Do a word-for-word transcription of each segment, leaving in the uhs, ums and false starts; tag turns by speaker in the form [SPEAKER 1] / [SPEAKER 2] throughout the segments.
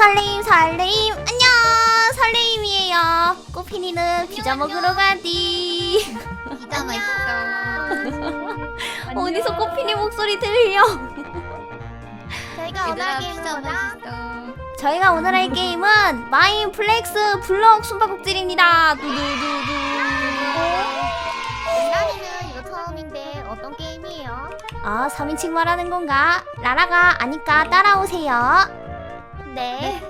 [SPEAKER 1] 설레임 설레임 안녕 설레임이에요. 꼬피니는 피자 먹으러 가디.
[SPEAKER 2] 피자 맛있어.
[SPEAKER 1] 어디서 꼬피니 목소리 들려?
[SPEAKER 2] 저희가 오늘
[SPEAKER 3] 얘들아,
[SPEAKER 2] 게임은
[SPEAKER 3] 피자
[SPEAKER 2] 뭐다?
[SPEAKER 3] 맛있어.
[SPEAKER 1] 저희가 오늘 할 게임은 마인플렉스 블럭 숨바꼭질입니다. 두두두두.
[SPEAKER 2] 나리는 이거 처음인데 어떤 게임이에요?
[SPEAKER 1] 아, 삼인칭 말하는 건가? 라라가 아니까 따라오세요.
[SPEAKER 2] 네.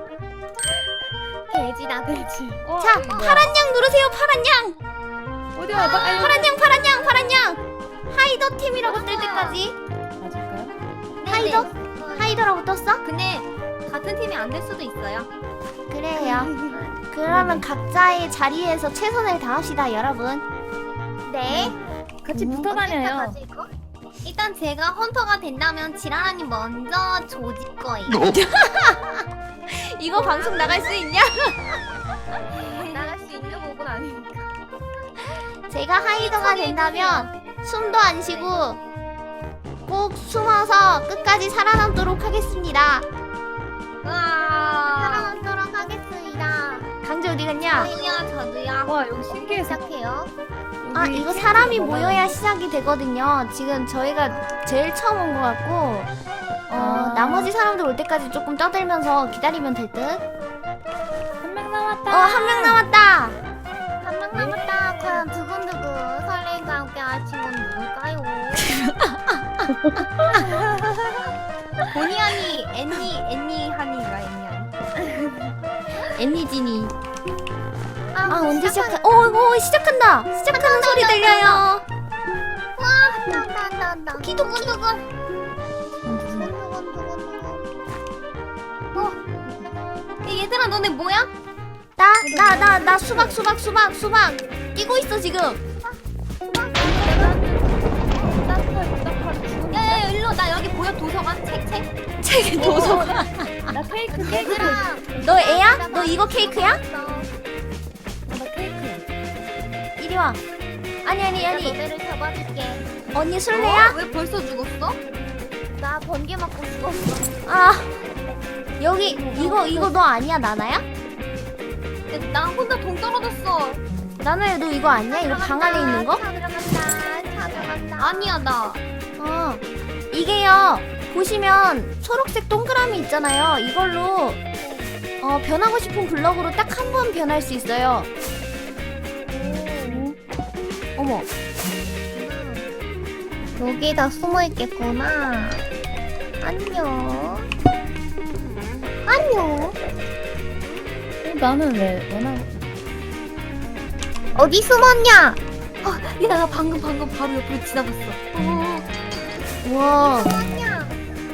[SPEAKER 2] 돼지다 돼지.
[SPEAKER 3] 어,
[SPEAKER 1] 자,
[SPEAKER 3] 이거 뭐야?
[SPEAKER 1] 파란 양 누르세요. 파란 양.
[SPEAKER 3] 어디 와봐. 아유,
[SPEAKER 1] 파란 양, 파란 양, 파란 양. 하이더 팀이라고 뜰 때까지.
[SPEAKER 3] 맞을까요?
[SPEAKER 1] 하이더? 하이더라고 떴어?
[SPEAKER 2] 근데 같은 팀이 안 될 수도 있어요.
[SPEAKER 1] 그래요. 그러면 각자의 자리에서 최선을 다합시다, 여러분.
[SPEAKER 2] 네.
[SPEAKER 3] 같이
[SPEAKER 1] 음,
[SPEAKER 3] 붙어 다녀요.
[SPEAKER 2] 어디까지 이거? 일단 제가 헌터가 된다면 지라라님 먼저 조질 거예요.
[SPEAKER 1] 이거 방송 나갈 수 있냐?
[SPEAKER 2] 나갈 수 있는 부분 아니니까.
[SPEAKER 1] 제가 하이더가 된다면 숨도 안 쉬고 꼭 숨어서 끝까지 살아남도록 하겠습니다.
[SPEAKER 2] 와. 살아남도록 하겠습니다.
[SPEAKER 1] 강제 어디 갔냐?
[SPEAKER 2] 저도요, 저도요.
[SPEAKER 3] 와, 여기 신기해서.
[SPEAKER 2] 시작해요.
[SPEAKER 1] 아, 이거 사람이 모여야 시작이 되거든요. 지금 저희가 제일 처음 온 것 같고 어,
[SPEAKER 3] 아.
[SPEAKER 1] 나머지 사람들 올 때까지 조금 떠들면서 기다리면 될 듯.
[SPEAKER 3] 한 명 남았다.
[SPEAKER 1] 어, 한 명 남았다.
[SPEAKER 2] 한 명 남았다. 과연 두근두근 설레임과 함께 할 친구는 누굴까요? 보니 하니, 애니, 애니 하니가 애니 하니.
[SPEAKER 1] 애니지니. 아, 언제 시작해? 어, 이거 시작한다. 시작하는 소리 들려요.
[SPEAKER 2] 와, 한다, 한다, 한다, 한다. 두근두근. 두근두근, 두근두근. 어, 야, 얘들아, 너네 뭐야?
[SPEAKER 1] 나, 나, 나, 나 수박, 수박, 수박, 수박. 뛰고 있어 지금.
[SPEAKER 2] 야야야 일로 나 여기 보여 도서관 책 책.
[SPEAKER 1] 책 도서관.
[SPEAKER 3] 나 케이크, 케이크.
[SPEAKER 2] 얘들아.
[SPEAKER 1] 너 애야? 너 이거 케이크야?
[SPEAKER 3] 나 케이크야.
[SPEAKER 1] 이리 와. 아니 아니
[SPEAKER 2] 내가
[SPEAKER 1] 아니.
[SPEAKER 2] 너네를 잡아줄게.
[SPEAKER 1] 언니 술래야?
[SPEAKER 2] 왜 벌써 죽었어? 나 번개 맞고 죽었어.
[SPEAKER 1] 아, 여기 이거 이거 너 아니야 나나야?
[SPEAKER 2] 나 혼자 동 떨어졌어.
[SPEAKER 1] 나나야 너 이거 아니야? 이거 방 안에 있는 거?
[SPEAKER 2] 차 들어간다. 차 들어간다. 아니야 나.
[SPEAKER 1] 어. 이게요. 보시면 초록색 동그라미 있잖아요. 이걸로 어 변하고 싶은 블럭으로 딱 한 번 변할 수 있어요. 어머.
[SPEAKER 2] 여기다 숨어 있겠구나. 안녕. 안녕.
[SPEAKER 3] 어, 나는 왜, 왜 나?
[SPEAKER 2] 어디 숨었냐? 어, 야, 나 방금 방금 바로 옆으로 지나갔어. 어,
[SPEAKER 1] 우와.
[SPEAKER 2] 숨었냐?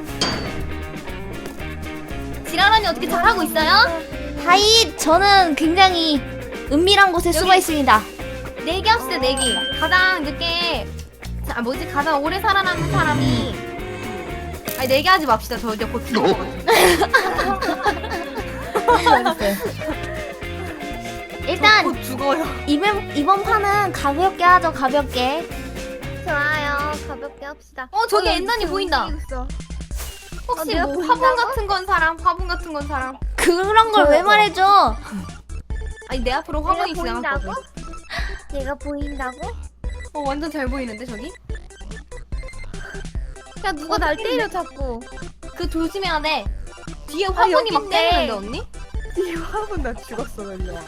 [SPEAKER 2] 지라라니 어떻게 잘하고 있어요?
[SPEAKER 1] 하이, 저는 굉장히 은밀한 곳에
[SPEAKER 2] 여기-
[SPEAKER 1] 숨어 있습니다.
[SPEAKER 2] 내기 합시다 내기. 가장 늦게 아 뭐지 가장 오래 살아남은 사람이 아니 내기 하지 맙시다. 저 이제 곧 죽을 것 같아.
[SPEAKER 1] 일단
[SPEAKER 2] 곧 죽어요.
[SPEAKER 1] 이번 이번 판은 가볍게 하죠. 가볍게.
[SPEAKER 2] 좋아요. 가볍게 합시다. 어 저기 엔단이 보인다. 혹시
[SPEAKER 1] 내가
[SPEAKER 2] 뭐
[SPEAKER 1] 보인다고?
[SPEAKER 2] 화분 같은 건 사람? 화분 같은 건 사람?
[SPEAKER 1] 그런 걸 왜 말해줘?
[SPEAKER 2] 아니 내 앞으로 화분이 지나갔거든. 얘가 보인다고? 어 완전 잘 보이는데 저기? 야 누가 날 때려 자꾸. 그 조심해야 돼. 뒤에 화분이 막 때리는데 언니?
[SPEAKER 4] 이 화분 나 죽었어. 일로 와.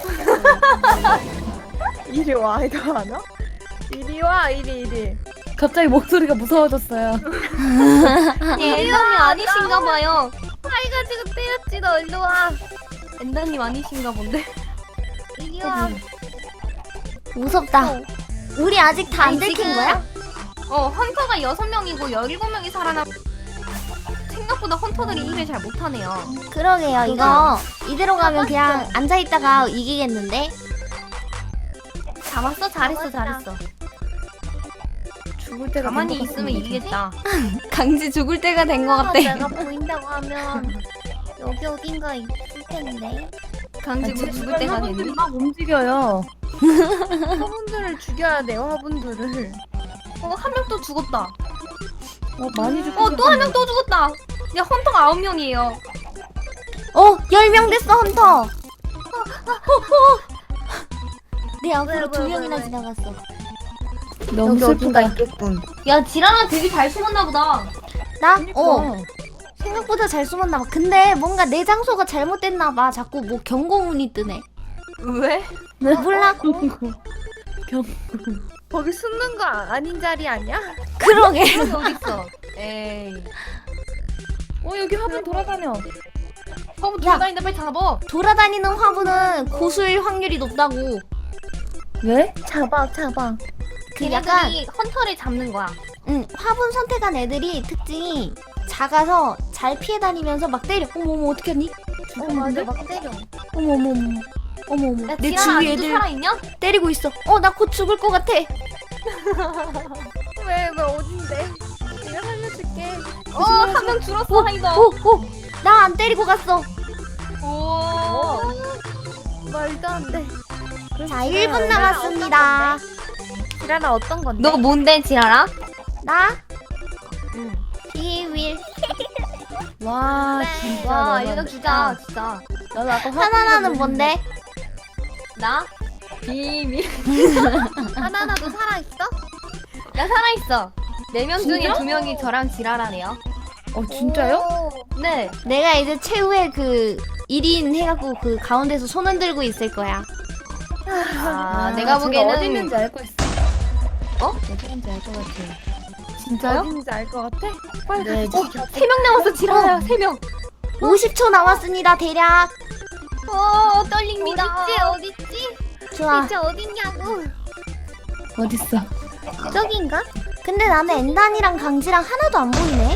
[SPEAKER 4] 이리 와. 이거 안 와? 이리 와. 이리 이리.
[SPEAKER 3] 갑자기 목소리가 무서워졌어요.
[SPEAKER 2] 예, 엔단님 아니신가 봐요. 아이가 지금 때렸지 너 일로 와. 엔단님 아니신가 본데. 이리 와.
[SPEAKER 1] 무섭다. 우리 아직 다 안
[SPEAKER 2] 아니,
[SPEAKER 1] 들킨
[SPEAKER 2] 지금-
[SPEAKER 1] 거야?
[SPEAKER 2] 어 헌터가 여섯 명이고 열일곱 명이 살아남. 생각보다 헌터들이 일을 잘 못하네요.
[SPEAKER 1] 그러게요. 이거 이대로 가면 그냥 앉아 있다가 이기겠는데?
[SPEAKER 2] 잡았어? 잘했어 잘했어.
[SPEAKER 3] 죽을 때가
[SPEAKER 2] 가만히
[SPEAKER 3] 된것
[SPEAKER 2] 있으면
[SPEAKER 3] 같은데.
[SPEAKER 2] 이기겠다.
[SPEAKER 1] 강지 죽을 때가 된 것 같아.
[SPEAKER 2] 내가 보인다고 하면 여기 어딘가 있을 텐데. 강지 뭐 죽을 때가
[SPEAKER 3] 화분들이
[SPEAKER 2] 됐니?
[SPEAKER 3] 막 움직여요.
[SPEAKER 4] 화분들을 죽여야 돼요. 화분들을.
[SPEAKER 2] 어 한 명 또 죽었다.
[SPEAKER 3] 어, 많이 죽고.
[SPEAKER 2] 어 또 한 명 또 죽었다. 야 헌터가 아홉 명이에요.
[SPEAKER 1] 어, 열 명 됐어, 헌터. 내 앞으로 두 명이나 지나갔어.
[SPEAKER 3] 너무 슬프다.
[SPEAKER 4] 있겠군.
[SPEAKER 2] 야 지라라 되게 잘 숨었나 보다.
[SPEAKER 1] 나?
[SPEAKER 3] 그러니까.
[SPEAKER 1] 어. 생각보다 잘 숨었나 봐. 근데 뭔가 내 장소가 잘못됐나 봐. 자꾸 뭐 경고문이 뜨네.
[SPEAKER 2] 왜?
[SPEAKER 1] 몰라.
[SPEAKER 4] 거기 숨는 거 아- 아닌 자리 아니야?
[SPEAKER 1] 그러게.
[SPEAKER 2] 여기 어딨어? 에이.
[SPEAKER 3] 어 여기 화분 돌아다녀.
[SPEAKER 2] 허브
[SPEAKER 1] 야.
[SPEAKER 2] 돌아다니는데 빨리 잡아.
[SPEAKER 1] 돌아다니는 화분은 고수일 확률이 높다고.
[SPEAKER 3] 왜?
[SPEAKER 4] 잡아, 잡아.
[SPEAKER 1] 그 약간
[SPEAKER 2] 걔네들이 헌터를 잡는 거야.
[SPEAKER 1] 응, 화분 선택한 애들이 특징이 작아서 잘 피해 다니면서 막 때려. 어머 어머 어떻게 하니?
[SPEAKER 4] 어, 맞아, 막 때려.
[SPEAKER 1] 어머 어머 어머. 어머 어머.
[SPEAKER 2] 야
[SPEAKER 1] 내
[SPEAKER 2] 지라라
[SPEAKER 1] 주위
[SPEAKER 2] 아직도
[SPEAKER 1] 애들
[SPEAKER 2] 살아있냐?
[SPEAKER 1] 때리고 있어. 어, 나 곧 죽을 것 같아.
[SPEAKER 4] 왜, 왜, 어딘데? 내가 살려줄게.
[SPEAKER 2] 어한 명 줄었어 하이더.
[SPEAKER 1] 오, 오. 나 안 때리고 갔어.
[SPEAKER 2] 오.
[SPEAKER 4] 말도 안 돼.
[SPEAKER 1] 자, 일 분 남았습니다.
[SPEAKER 4] 지라라 어떤 건데?
[SPEAKER 2] 너 뭔데 지라라?
[SPEAKER 1] 나
[SPEAKER 2] 응.
[SPEAKER 1] 비윌.
[SPEAKER 3] 와 진짜.
[SPEAKER 2] 와
[SPEAKER 3] 너는-
[SPEAKER 2] 알려주자 진짜.
[SPEAKER 3] 나도 아까
[SPEAKER 1] 하나나는 뭔데?
[SPEAKER 2] 나? 비밀.
[SPEAKER 4] 하나나도 살아있어?
[SPEAKER 2] 나 살아있어. 네 명 중에
[SPEAKER 3] 진짜?
[SPEAKER 2] 두 명이 저랑 지라라네요.
[SPEAKER 3] 어 진짜요?
[SPEAKER 4] 오.
[SPEAKER 2] 네.
[SPEAKER 1] 내가 이제 최후의 그 일 인 해갖고 그 가운데서 손 흔들고 있을 거야.
[SPEAKER 2] 아, 내가 보기에는
[SPEAKER 3] 어디 있는지 알고 있어.
[SPEAKER 2] 어?
[SPEAKER 3] 어디 있는지 알 것 같아.
[SPEAKER 2] 진짜요?
[SPEAKER 4] 어딘지 알 것 같아?
[SPEAKER 3] 네.
[SPEAKER 2] 세 명 남았어 지라야 세 명.
[SPEAKER 1] 오십 초 남았습니다, 대략.
[SPEAKER 2] 어 떨립니다.
[SPEAKER 4] 어딨지, 어딨지?
[SPEAKER 1] 좋아.
[SPEAKER 4] 진짜 어딨냐고.
[SPEAKER 3] 어딨어?
[SPEAKER 4] 저긴가?
[SPEAKER 1] 근데 나는 엔단이랑 강지랑 하나도 안 보이네.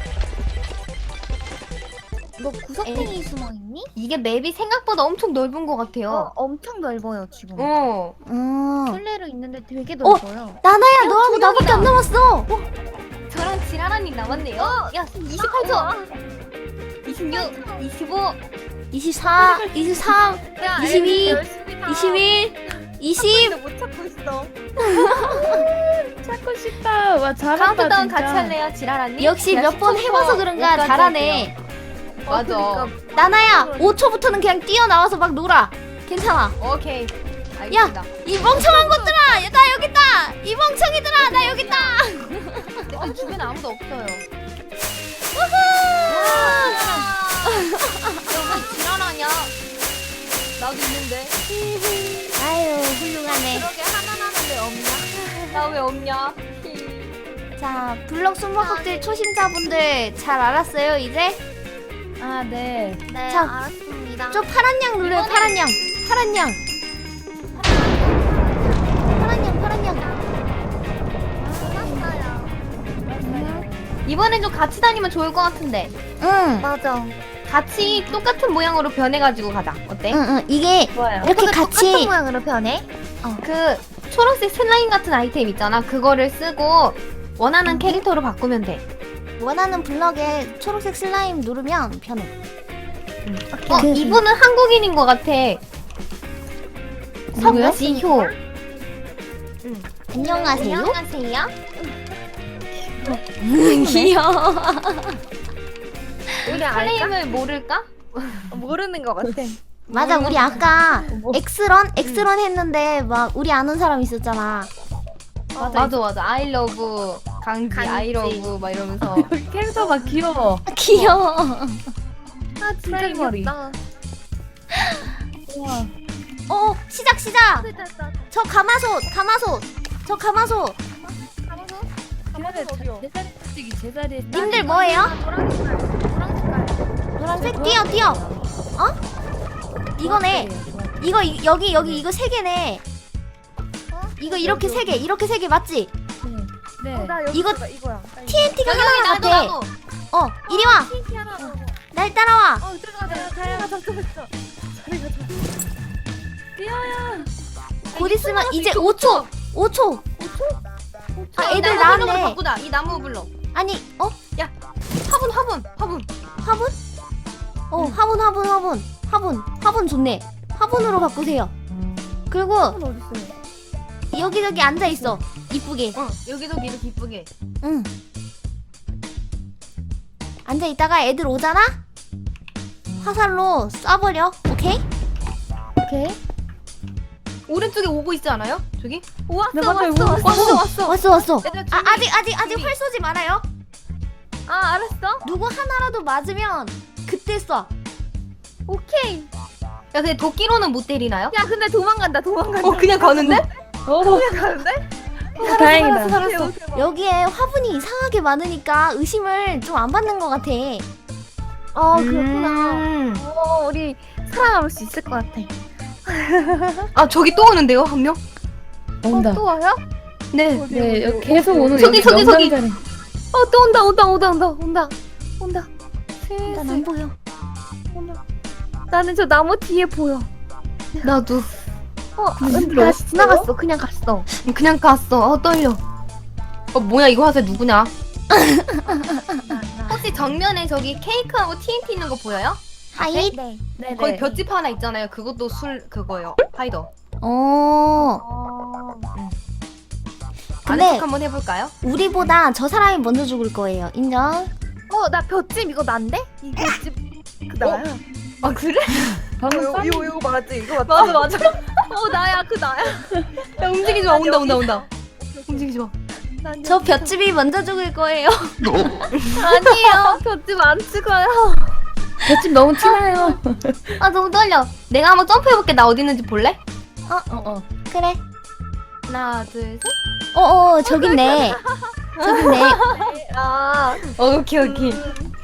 [SPEAKER 4] 너 구석탱이 숨어있니?
[SPEAKER 2] 이게 맵이 생각보다 엄청 넓은 것 같아요.
[SPEAKER 4] 어, 엄청 넓어요, 지금.
[SPEAKER 2] 어.
[SPEAKER 1] 음.
[SPEAKER 4] 술래로 있는데 되게
[SPEAKER 1] 어?
[SPEAKER 4] 넓어요.
[SPEAKER 1] 나나야, 너하고 나밖에 안 남았어.
[SPEAKER 2] 저랑 지라라님 남았네요. 야 이십팔 초. 이십육, 이십오,
[SPEAKER 1] 이십사, 이십삼,
[SPEAKER 4] 야,
[SPEAKER 1] 이십이,
[SPEAKER 4] 애들 열심히 다
[SPEAKER 1] 이십일, 이십.
[SPEAKER 4] 못 찾고 있어.
[SPEAKER 3] 찾고 싶다. 와 잘한다
[SPEAKER 2] 카운트다운
[SPEAKER 3] 진짜.
[SPEAKER 2] 같이 할래요 지라라님?
[SPEAKER 1] 역시 몇 번 해봐서 그런가 잘하네.
[SPEAKER 2] 맞아.
[SPEAKER 4] 어, 그러니까
[SPEAKER 1] 나나야, 오 초부터는 그냥 뛰어나와서 막 놀아. 괜찮아.
[SPEAKER 2] 오케이. 알겠습니다.
[SPEAKER 1] 이 멍청한 것들아! 야, 나 여기 있다! 이 멍청이들아, 나 여기 있다!
[SPEAKER 2] 내 주변에 아무도 없어요. 여기 지랄하냐? 나도 있는데.
[SPEAKER 1] 아유, 훌륭하네.
[SPEAKER 4] 그러게 하나나는 왜 없냐?
[SPEAKER 2] 나 왜 없냐?
[SPEAKER 1] 자, 블럭 숨바꼭질 초심자분들 잘 알았어요, 이제?
[SPEAKER 3] 아 네.
[SPEAKER 4] 네,
[SPEAKER 1] 자,
[SPEAKER 4] 알았습니다.
[SPEAKER 1] 저 파란 양 눌러요, 파란 양. 파란 양. 파란 양, 파란 양.
[SPEAKER 4] 알았어요.
[SPEAKER 2] 이번엔 좀 같이 다니면 좋을 것 같은데.
[SPEAKER 1] 응,
[SPEAKER 4] 맞아.
[SPEAKER 2] 같이 똑같은 모양으로 변해가지고 가자. 어때?
[SPEAKER 1] 응, 응. 이게
[SPEAKER 3] 좋아요.
[SPEAKER 1] 이렇게
[SPEAKER 4] 똑같은
[SPEAKER 1] 같이.
[SPEAKER 4] 모양으로 변해?
[SPEAKER 2] 그 초록색 슬라임 같은 아이템 있잖아. 그거를 쓰고 원하는 캐릭터로 바꾸면 돼.
[SPEAKER 1] 원하는 블럭에 초록색 슬라임 누르면 변해.
[SPEAKER 2] 어,
[SPEAKER 1] 그-
[SPEAKER 2] 이분은 한국인인 것 같아.
[SPEAKER 3] 누구요?
[SPEAKER 2] 석지효.
[SPEAKER 1] 안녕하세요.
[SPEAKER 2] 안녕하세요.
[SPEAKER 1] 귀여워.
[SPEAKER 4] 우리 알까?
[SPEAKER 2] 플레임을 모를까?
[SPEAKER 4] 모르는 것 같아.
[SPEAKER 1] 맞아, 우리 아까
[SPEAKER 3] 뭐.
[SPEAKER 1] 엑스런? 엑스런 했는데 막 우리 아는 사람 있었잖아.
[SPEAKER 2] 맞아 맞아. 맞아. I love 강지,
[SPEAKER 4] 강지.
[SPEAKER 2] I love 막 이러면서.
[SPEAKER 3] 여기 캐릭터가 귀여워.
[SPEAKER 1] 귀여워.
[SPEAKER 4] 아, 진짜
[SPEAKER 3] 머리.
[SPEAKER 4] 귀엽다.
[SPEAKER 3] 우와.
[SPEAKER 1] 어, 시작, 시작.
[SPEAKER 4] 됐다, 됐다.
[SPEAKER 1] 저 가마솥, 가마솥. 저 가마솥.
[SPEAKER 4] 가보소.
[SPEAKER 3] 제자리
[SPEAKER 4] 어디요?
[SPEAKER 3] 제자리 솔직히 제자리에
[SPEAKER 1] 님들 뭐예요?
[SPEAKER 4] 노란 색깔. 노란 색깔.
[SPEAKER 1] 노란색 뛰어, 뛰어. 어? 이거네. 이거 이, 여기 여기 이거 세 개네. 이거 이렇게 세 개, 이렇게 세 개 맞지?
[SPEAKER 3] 네.
[SPEAKER 4] 어, 나 여기
[SPEAKER 1] 이거
[SPEAKER 4] 이거 이거야. 나 이거.
[SPEAKER 1] 티엔티가
[SPEAKER 2] 여기 여기
[SPEAKER 1] 하나
[SPEAKER 2] 나도
[SPEAKER 1] 같아.
[SPEAKER 2] 나도.
[SPEAKER 1] 어, 이리 와.
[SPEAKER 4] 티엔티 하나 더.
[SPEAKER 1] 날 따라와.
[SPEAKER 4] 어, 들어가자. 들어가자. 들어가자. 저리 가자.
[SPEAKER 3] 뛰어요.
[SPEAKER 1] 곧 있으면 이제 오 초. 오 초. 아,
[SPEAKER 2] 이
[SPEAKER 1] 애들
[SPEAKER 2] 나무 블럭으로
[SPEAKER 1] 나왔네.
[SPEAKER 2] 바꾸자. 이 나무 블럭.
[SPEAKER 1] 아니, 어?
[SPEAKER 2] 화분 화분 화분.
[SPEAKER 1] 화분? 어, 화분, 화분, 화분. 화분. 화분 좋네. 화분으로 바꾸세요. 그리고
[SPEAKER 4] 은 어딨어요?
[SPEAKER 1] 여기저기 앉아 있어. 이쁘게.
[SPEAKER 2] 어 여기도 이렇게 이쁘게.
[SPEAKER 1] 응. 앉아 있다가 애들 오잖아? 화살로 쏴버려. 오케이?
[SPEAKER 2] 오케이. 오른쪽에 오고 있지 않아요? 저기?
[SPEAKER 3] 네,
[SPEAKER 2] 왔어
[SPEAKER 3] 맞아요.
[SPEAKER 2] 왔어 왔어 왔어 왔어.
[SPEAKER 1] 왔어 왔어.
[SPEAKER 2] 얘들아,
[SPEAKER 1] 아
[SPEAKER 2] 저기.
[SPEAKER 1] 아직 아직 아직 활 쏘지 말아요.
[SPEAKER 2] 아 알았어.
[SPEAKER 1] 누구 하나라도 맞으면 그때 쏴.
[SPEAKER 2] 오케이. 야 근데 도끼로는 못 때리나요?
[SPEAKER 4] 야 근데 도망간다 도망간다.
[SPEAKER 2] 어 그냥 가는데?
[SPEAKER 3] 오,
[SPEAKER 4] 가는데?
[SPEAKER 3] 다행이다.
[SPEAKER 2] 살았어.
[SPEAKER 1] 여기에 화분이 이상하게 많으니까 의심을 좀 안 받는 것 같아.
[SPEAKER 4] 아 그렇구나.
[SPEAKER 2] 음.
[SPEAKER 4] 어 우리 살아남을 수 있을 것 같아.
[SPEAKER 2] 아 저기 또 오는데요 한 명?
[SPEAKER 3] 온다.
[SPEAKER 4] 어, 또 와요?
[SPEAKER 2] 네.
[SPEAKER 3] 네, 여기 계속 오는
[SPEAKER 2] 저기,
[SPEAKER 3] 여기
[SPEAKER 2] 저기, 저기.
[SPEAKER 3] 명당자리.
[SPEAKER 2] 어 또 온다 온다 온다 온다 온다 온다.
[SPEAKER 1] 난 안 보여.
[SPEAKER 4] 나는 저 나무 뒤에 보여.
[SPEAKER 2] 나도
[SPEAKER 4] 어
[SPEAKER 3] 근데
[SPEAKER 4] 다시
[SPEAKER 3] 어딨어요?
[SPEAKER 4] 지나갔어. 그냥 갔어.
[SPEAKER 2] 그냥 갔어. 어 떨려. 어 뭐야 이거 화살 누구냐? 혹시 정면에 저기 케이크하고 티엔티 있는 거 보여요?
[SPEAKER 1] 하이.
[SPEAKER 4] 네.
[SPEAKER 3] 네네.
[SPEAKER 2] 거기 볏짚 하나 있잖아요. 그것도 술 그거요. 파이더.
[SPEAKER 1] 어.
[SPEAKER 4] 어.
[SPEAKER 1] 근데-
[SPEAKER 2] 아는 척 한번 해볼까요?
[SPEAKER 1] 우리보다 저 사람이 먼저 죽을 거예요. 인정?
[SPEAKER 4] 어나 볏짚 이거 난데? 이 볏짚 그 나야.
[SPEAKER 2] 아 그래?
[SPEAKER 3] 방금
[SPEAKER 4] 이거
[SPEAKER 3] 쐈-
[SPEAKER 4] 이거 이거 맞지? 이거 맞지?
[SPEAKER 2] 맞아 맞아.
[SPEAKER 4] 어 나야 그 나야.
[SPEAKER 2] 야 움직이지 마. 온다 온다 온다. 움직이지 마.
[SPEAKER 4] 난
[SPEAKER 1] 저
[SPEAKER 4] 여기
[SPEAKER 1] 볏집이 먼저 죽을 거예요.
[SPEAKER 4] 아니에요. 볏짚 안 찍어요.
[SPEAKER 3] 볏짚 너무 티나요.
[SPEAKER 2] 아 너무 떨려. 내가 한번 점프해볼게. 나 어디 있는지 볼래?
[SPEAKER 3] 어, 어.
[SPEAKER 1] 그래.
[SPEAKER 2] 하나 둘 셋.
[SPEAKER 1] 어어 저기 있네. 저기 있네.
[SPEAKER 4] 아.
[SPEAKER 2] 어, 오케이 오케이.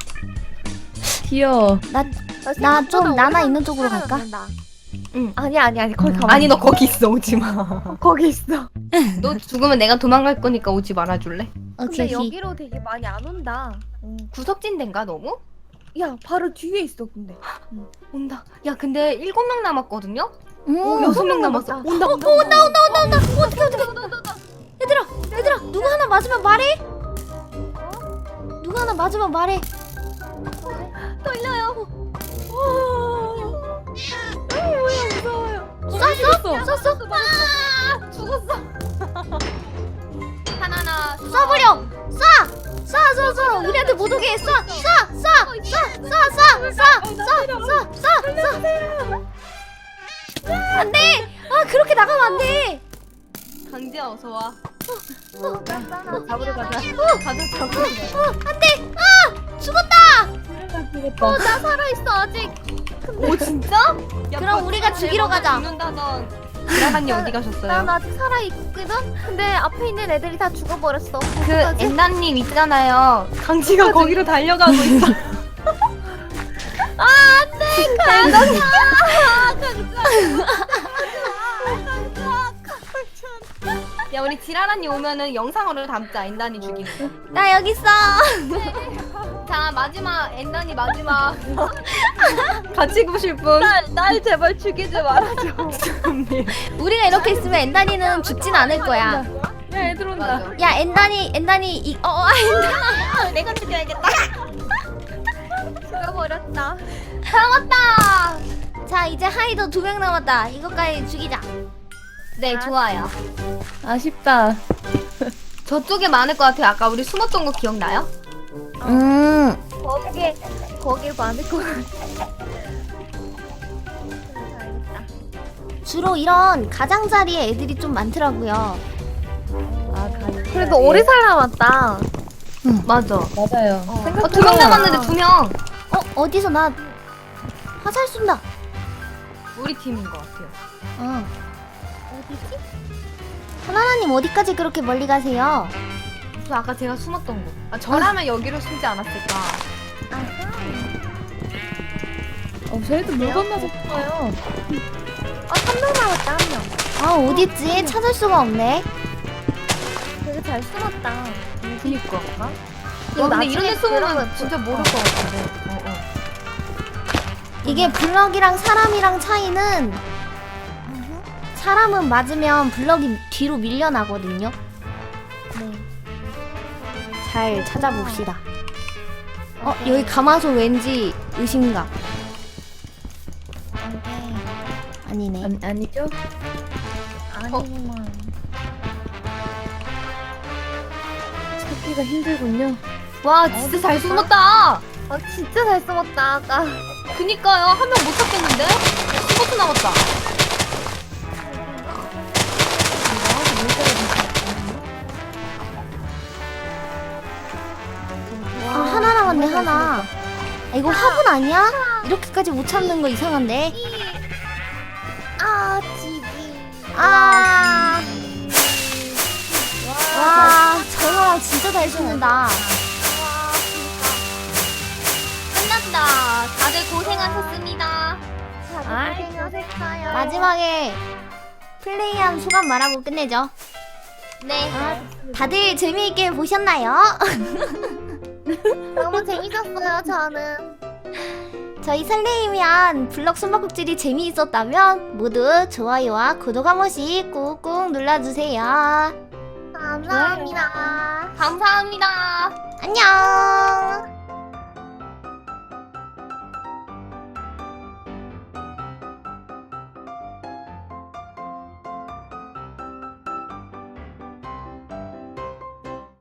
[SPEAKER 3] 귀여워.
[SPEAKER 1] 나 나 좀 나나 있는 쪽으로 갈까?
[SPEAKER 2] 응.
[SPEAKER 4] 아니 아니 아니 거기 가만.
[SPEAKER 2] 아니 너 거기 있어. 오지 마.
[SPEAKER 4] 거기 있어.
[SPEAKER 2] 너 죽으면 내가 도망갈 거니까 오지 말아줄래?
[SPEAKER 1] 오케이
[SPEAKER 4] 근데
[SPEAKER 1] 오케이.
[SPEAKER 4] 여기로 되게 많이 안 온다.
[SPEAKER 2] 구석진 데인가 너무?
[SPEAKER 4] 야 바로 뒤에 있어 근데.
[SPEAKER 2] 온다. 야 근데 일곱 명 남았거든요?
[SPEAKER 1] 음.
[SPEAKER 2] 오, 여섯 명 남았어.
[SPEAKER 4] 남았다.
[SPEAKER 2] 온다 온다
[SPEAKER 1] 어, 온다 온다 온다 온다. 어떻게 어떻게? 얘들아 얘들아 누구 하나 맞으면 말해. 누구 하나 맞으면 말해.
[SPEAKER 2] 떨려요.
[SPEAKER 1] 쐈어? 쐈어?
[SPEAKER 2] 아 죽었어. 하나나
[SPEAKER 1] 쏴버려. 쏴. 쏴 쏴 쏴. 우리한테 못 오게 쏴. 쏴 쏴. 쏴 쏴 쏴 쏴 쏴 쏴 쏴. 안돼. 아 그렇게 나가면 안 돼.
[SPEAKER 2] 강지야 어서 와.
[SPEAKER 4] 잡으러 가자.
[SPEAKER 2] 가자 잡으러.
[SPEAKER 1] 어 안돼. 아 죽었다.
[SPEAKER 3] 되겠다.
[SPEAKER 4] 나 살아 있어 아직.
[SPEAKER 2] 오 진짜? 야,
[SPEAKER 1] 그럼 우리가 죽이러 가자.
[SPEAKER 2] 죽는다던 지라사님 어디
[SPEAKER 4] 난
[SPEAKER 2] 가셨어요?
[SPEAKER 4] 아직 살아 있거든. 근데 앞에 있는 애들이 다 죽어버렸어.
[SPEAKER 2] 그 엔나님 있잖아요. 강지가 거기로 달려가고 있어. 야 우리 지라라님 오면은 영상으로 담자. 엔단이 죽이는 거.
[SPEAKER 1] 나 여기 있어.
[SPEAKER 2] 자 마지막 엔단이 마지막 같이 보실 분.
[SPEAKER 4] 날, 날 제발 죽이지 말아줘.
[SPEAKER 1] 우리가 이렇게 있으면 엔단이는 죽진 않을 거야.
[SPEAKER 3] 야, 애들 온다.
[SPEAKER 2] 맞아.
[SPEAKER 1] 야 엔단이 엔단이 이 어, 어 아, 엔단아 내가 죽여야겠다.
[SPEAKER 4] 죽어버렸다.
[SPEAKER 2] 잡았다.
[SPEAKER 1] 자 이제 하이더 두 명 남았다. 이것까지 죽이자.
[SPEAKER 2] 네 좋아요.
[SPEAKER 3] 아쉽다.
[SPEAKER 2] 저쪽에 많을 것 같아요. 아까 우리 숨었던 거 기억나요?
[SPEAKER 1] 음
[SPEAKER 4] 거기에 거기에 많을 것 같아.
[SPEAKER 1] 주로 이런 가장자리에 애들이 좀 많더라고요.
[SPEAKER 3] 아, 가는
[SPEAKER 4] 그래도 오래 살아남았다.
[SPEAKER 2] 맞아.
[SPEAKER 3] 맞아요.
[SPEAKER 2] 어, 두 명 남았는데 두 명.
[SPEAKER 1] 어 어디서 나 화살 쏜다.
[SPEAKER 2] 우리 팀인 것 같아요.
[SPEAKER 1] 어 어디지? 하나님 어디까지 그렇게 멀리 가세요?
[SPEAKER 2] 저 아까 제가 숨었던 곳. 아, 저라면 여기로 숨지 않았을까.
[SPEAKER 3] 어, 저희도 물 건너서 죽어요.
[SPEAKER 4] 아한 명 남았다 한 명.
[SPEAKER 1] 아 어딨지? 찾을 수가 없네.
[SPEAKER 4] 되게 잘 숨었다.
[SPEAKER 2] 그니까.
[SPEAKER 4] 이거
[SPEAKER 2] 야, 근데
[SPEAKER 4] 나중에
[SPEAKER 2] 이런 데 숨으면
[SPEAKER 4] 들어가면
[SPEAKER 2] 진짜 모를
[SPEAKER 4] 어.
[SPEAKER 2] 것 같은데. 어, 어.
[SPEAKER 1] 이게 블럭이랑 사람이랑 차이는 사람은 맞으면 블럭이 뒤로 밀려나거든요.
[SPEAKER 4] 네.
[SPEAKER 1] 잘 찾아봅시다. 어 여기 가마솥 왠지 의심가. 아니네.
[SPEAKER 3] 아니, 아니죠?
[SPEAKER 4] 아니구만.
[SPEAKER 3] 찾기가 힘들군요.
[SPEAKER 2] 와, 진짜 잘 숨었다.
[SPEAKER 4] 아 진짜 잘 숨었다 아까.
[SPEAKER 2] 그니까요. 한 명 못 찾겠는데? 십오 초 남았다.
[SPEAKER 1] 아, 하나 남았네, 하나. 아, 이거 화분 아니야? 이렇게까지 못 참는 거 이상한데?
[SPEAKER 2] 아, 지지.
[SPEAKER 1] 아. 와, 저 사람 진짜 잘 죽는다.
[SPEAKER 2] 끝났다. 다들 고생하셨습니다.
[SPEAKER 4] 고생하셨어요.
[SPEAKER 1] 마지막에 플레이한 소감 말하고 끝내죠.
[SPEAKER 2] 네.
[SPEAKER 1] 다들 재미있게 보셨나요?
[SPEAKER 2] 너무 재밌었어요, 저는.
[SPEAKER 1] 저희 설레이면 블럭 숨바꼭질이 재미있었다면 모두 좋아요와 구독 한 번씩 꾹꾹 눌러주세요.
[SPEAKER 2] 감사합니다. 감사합니다.
[SPEAKER 1] 안녕.